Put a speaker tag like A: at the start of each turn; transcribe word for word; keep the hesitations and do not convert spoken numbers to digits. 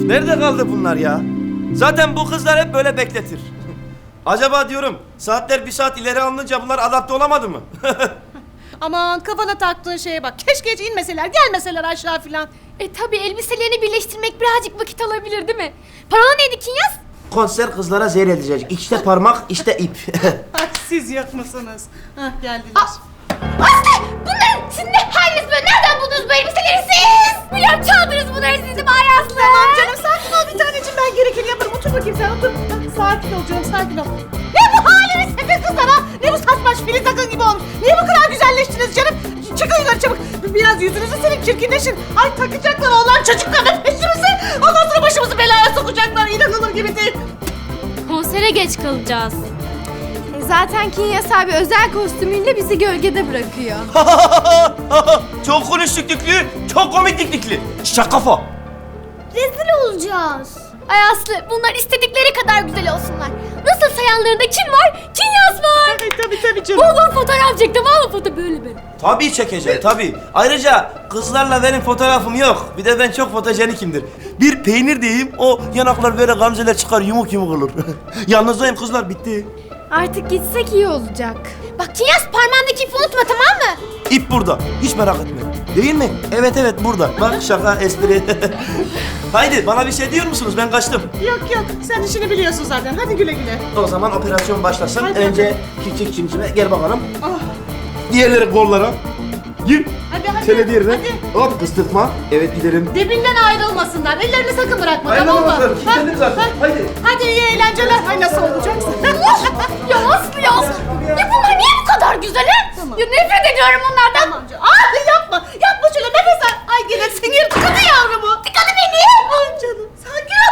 A: Nerede kaldı bunlar ya? Zaten bu kızlar hep böyle bekletir. Acaba diyorum saatler bir saat ileri alınınca bunlar adapte olamadı mı?
B: Aman kafana taktığın şeye bak. Keşke hiç inmeseler, gelmeseler aşağı filan.
C: E tabi elbiselerini birleştirmek birazcık vakit alabilir değil mi? Parola neydi Kinyas?
A: Konser kızlara zehir edecek. İşte parmak, işte ip.
B: Ay siz yok musunuz? Hah geldiler.
C: Aslı! Bunların siz ne haliniz böyle? Nereden buldunuz bu elbiseleri siz? Biliyorum çaldınız bunları sizi Bari Aslı.
B: Tamam canım sakin ol bir taneciğim, ben gerekeni yaparım. Otur bakayım sen, otur. Hah, sakin ol canım, sakin ol. Ne bu haliniz sizin kızlar ha? Ne bu saçmaş filiz akın gibi olmuş? Niye bu kadar güzelleştiniz canım? Çıkın yukarı çabuk. Biraz yüzünüzü silin, çirkinleşin. Ay takacaklar oğlan çocuklarla peşimizi. Ondan sonra başımızı belaya sokacaklar. İnanılır gibi değil.
C: Konsere geç kalacağız.
D: E zaten Kinyas abi özel kostümüyle bizi gölgede bırakıyor.
A: Çok konuştuk Düklü, çok komik Düklü. Şaka kafa.
C: Rezil olacağız. Ay Aslı bunlar istedikleri kadar güzel olsunlar. Nasıl sayanlarında kim var? Kinyas var.
B: Ay tabii tabii canım.
C: Bol bol fotoğraf çektim. Al foto böyle böyle.
A: Tabii çekeceğim, tabii. Ayrıca kızlarla benim fotoğrafım yok. Bir de ben çok fotojenikimdir. Bir peynir diyeyim, o yanaklar böyle gamzeler çıkar, yumuk yumuk olur. Yalnızdayım kızlar, bitti.
D: Artık gitsek iyi olacak.
C: Bak Kinyas parmağındaki ipi unutma tamam mı?
A: İp burada, hiç merak etme. Değil mi? Evet evet burada. Bak şaka, espri. Haydi bana bir şey diyor musunuz? Ben kaçtım.
B: Yok yok, sen işini biliyorsun zaten. Hadi güle güle.
A: O zaman operasyon başlasın.
B: Hadi,
A: Önce küçük cimcime, gel bakalım.
B: Ah,
A: Diğerleri kollara. Gir.
B: hadi hadi.
A: Seni diğerine.
B: Hadi.
A: Hop kıstırtma. Evet gidelim.
B: Dibinden ayrılmasınlar. Ellerini sakın bırakma,
A: Aynen
B: tamam mı?
A: bakalım, kilitledim zaten.
B: ha.
A: Haydi.
B: Hadi iyi eğlenceler. Ay nasıl olacaksın?
C: Ya Aslı ya Aslı. Ya bunlar niye bu kadar güzel he?
B: Tamam.
C: Ya nefret ediyorum bunlardan.
B: Tamam canım. Ay yapma. Yapma şöyle nefes al. Ay gene sinir tıkadı yavrumu.